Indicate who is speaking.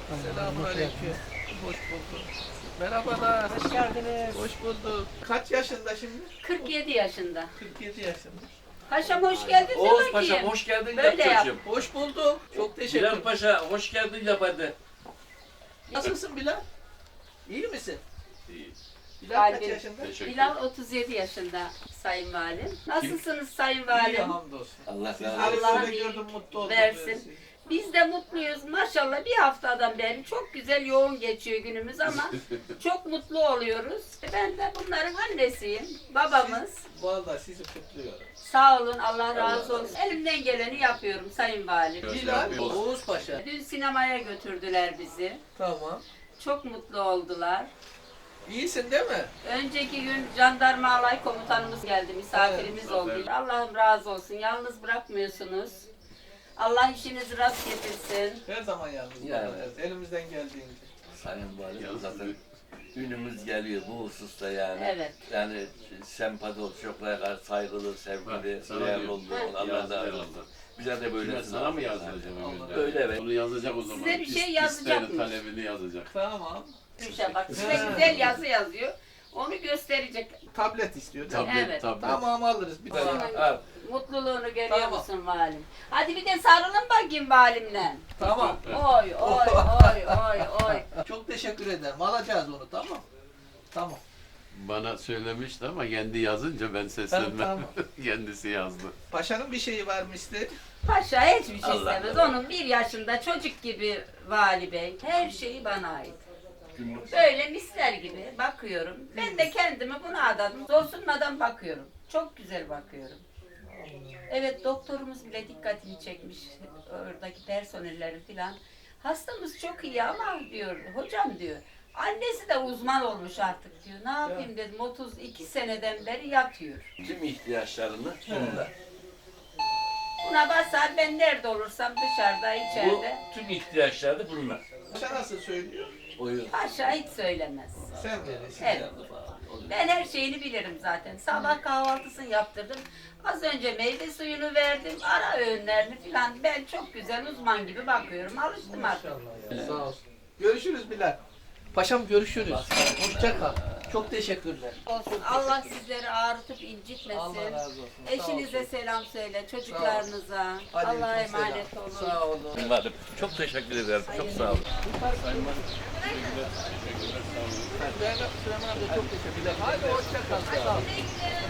Speaker 1: Selamünaleyküm. Hoş bulduk. Merhabalar.
Speaker 2: Hoş geldiniz.
Speaker 1: Hoş bulduk. Kaç yaşında şimdi?
Speaker 3: 47 yaşında.
Speaker 1: 47 yaşında.
Speaker 3: Paşam hoş geldin de
Speaker 4: Oğuz Paşa
Speaker 3: bakayım.
Speaker 4: hoş geldin
Speaker 3: Böyle
Speaker 4: yap
Speaker 3: yap.
Speaker 4: çocuğum.
Speaker 1: Hoş bulduk. Çok teşekkür
Speaker 4: Bilal
Speaker 1: ederim.
Speaker 4: Paşa hoş geldin yap hadi.
Speaker 1: Nasılsın Bilal? İyi misin?
Speaker 4: İyi.
Speaker 1: Bilal kaç
Speaker 3: Kalbim.
Speaker 1: yaşında?
Speaker 4: Teşekkür
Speaker 3: Bilal 37 yaşında Sayın Valim. Nasılsınız Sayın
Speaker 1: İyi
Speaker 3: Valim?
Speaker 1: hamdolsun.
Speaker 4: Allah
Speaker 1: Sizleri
Speaker 4: razı olsun.
Speaker 3: Allah
Speaker 1: böyle
Speaker 3: iyilik
Speaker 1: gördüm mutlu oldum.
Speaker 3: versin. Biz de mutluyuz. Maşallah bir haftadan beri çok güzel yoğun geçiyor günümüz ama çok mutlu oluyoruz. Ben de bunların annesiyim. Babamız.
Speaker 1: Vallahi sizi kutluyorum.
Speaker 3: Sağ olun, Allah razı olsun. Elimden geleni yapıyorum Sayın Valim.
Speaker 1: Bilal, Oğuz Paşa.
Speaker 3: Dün sinemaya götürdüler bizi.
Speaker 1: Tamam.
Speaker 3: Çok mutlu oldular.
Speaker 1: İyisin değil mi?
Speaker 3: Önceki gün jandarma alay komutanımız geldi, misafirimiz
Speaker 4: Evet,
Speaker 3: oldu.
Speaker 4: aferin.
Speaker 3: Allah'ım razı olsun, yalnız bırakmıyorsunuz. Allah işinizi rast getirsin.
Speaker 1: Her zaman yalnız
Speaker 4: Yani.
Speaker 1: bakacağız. Elimizden geldiğince.
Speaker 4: Sayın Valim zaten ünümüz geliyor bu hususta yani.
Speaker 3: Evet.
Speaker 4: Yani sempati ol, çocuklara karşı saygılı, sevgili,
Speaker 5: Bak, sana
Speaker 4: değerli
Speaker 5: diyor.
Speaker 4: oldu.
Speaker 3: Evet.
Speaker 4: Allah razı
Speaker 5: Yazdı
Speaker 4: olsun. Bize de böyle
Speaker 5: Kime sana mı yazdıracağım öyle?
Speaker 4: Öyle evet.
Speaker 5: Onu yazacak o zaman.
Speaker 3: Size bir şey
Speaker 5: İsteğini,
Speaker 3: yazacakmış.
Speaker 5: talebini yazacak.
Speaker 1: Tamam.
Speaker 3: Gülşah bak, size güzel yazı yazıyor. Onu gösterecek.
Speaker 1: Tablet istiyor değil mi?
Speaker 5: Tablet,
Speaker 3: Evet.
Speaker 5: tablet.
Speaker 1: Tamam alırız. Bir tane.
Speaker 3: Onun
Speaker 4: Al.
Speaker 3: mutluluğunu görüyor
Speaker 1: Tamam.
Speaker 3: musun valim? Hadi bir de sarılın bakayım valimle.
Speaker 1: Tamam.
Speaker 3: Oy oy oy oy oy.
Speaker 1: Çok teşekkür ederim. Alacağız onu tamam. Tamam.
Speaker 5: Bana söylemişti ama kendi yazınca ben seslenmem.
Speaker 1: Tamam.
Speaker 5: Kendisi yazdı.
Speaker 1: Paşanın bir şeyi var mı isteği?
Speaker 3: Paşa hiçbir şey
Speaker 4: Allah
Speaker 3: istemez.
Speaker 4: Allah.
Speaker 3: Onun 1 yaşında çocuk gibi vali bey. Her şeyi bana ait.
Speaker 4: Günlük.
Speaker 3: Böyle misler gibi bakıyorum. Ben de kendimi buna adadım. Zorsunmadan bakıyorum. Çok güzel bakıyorum. Evet doktorumuz bile dikkatini çekmiş. Oradaki personelleri filan. Hastamız çok iyi ama diyor hocam diyor. Annesi de uzman olmuş artık diyor. Ne yapayım dedim 32 seneden beri yatıyor.
Speaker 4: Tüm ihtiyaçlarını bunda.
Speaker 3: Buna basar ben nerede olursam dışarıda
Speaker 4: Bu
Speaker 3: içeride.
Speaker 4: tüm ihtiyaçları bunlar.
Speaker 1: Paşa nasıl söylüyor?
Speaker 4: Oyun.
Speaker 3: Paşa hiç söylemez.
Speaker 1: Sen verirsin.
Speaker 3: Evet. Ben her şeyini bilirim zaten. Sabah kahvaltısını yaptırdım. Az önce meyve suyunu verdim. Ara öğünlerini falan. Ben çok güzel uzman gibi bakıyorum. Alıştım artık.
Speaker 1: Sağ olsun. Görüşürüz Bilal. Paşam görüşürüz. Hoşça kal. Çok teşekkürler.
Speaker 3: Olsun. Allah sizleri ağrıtıp incitmesin.
Speaker 1: Allah razı olsun. Sağ
Speaker 3: Eşinize
Speaker 1: olsun.
Speaker 3: selam söyle. Çocuklarınıza.
Speaker 1: Aleyküm
Speaker 3: Allah'a
Speaker 1: selam.
Speaker 3: emanet olun.
Speaker 1: Sağ olun.
Speaker 4: Valim. Çok teşekkür ederim. Çok sağ olun.
Speaker 1: Ben Süleyman amca çok teşekkürler. Hadi hoşça kal. Sağ olun.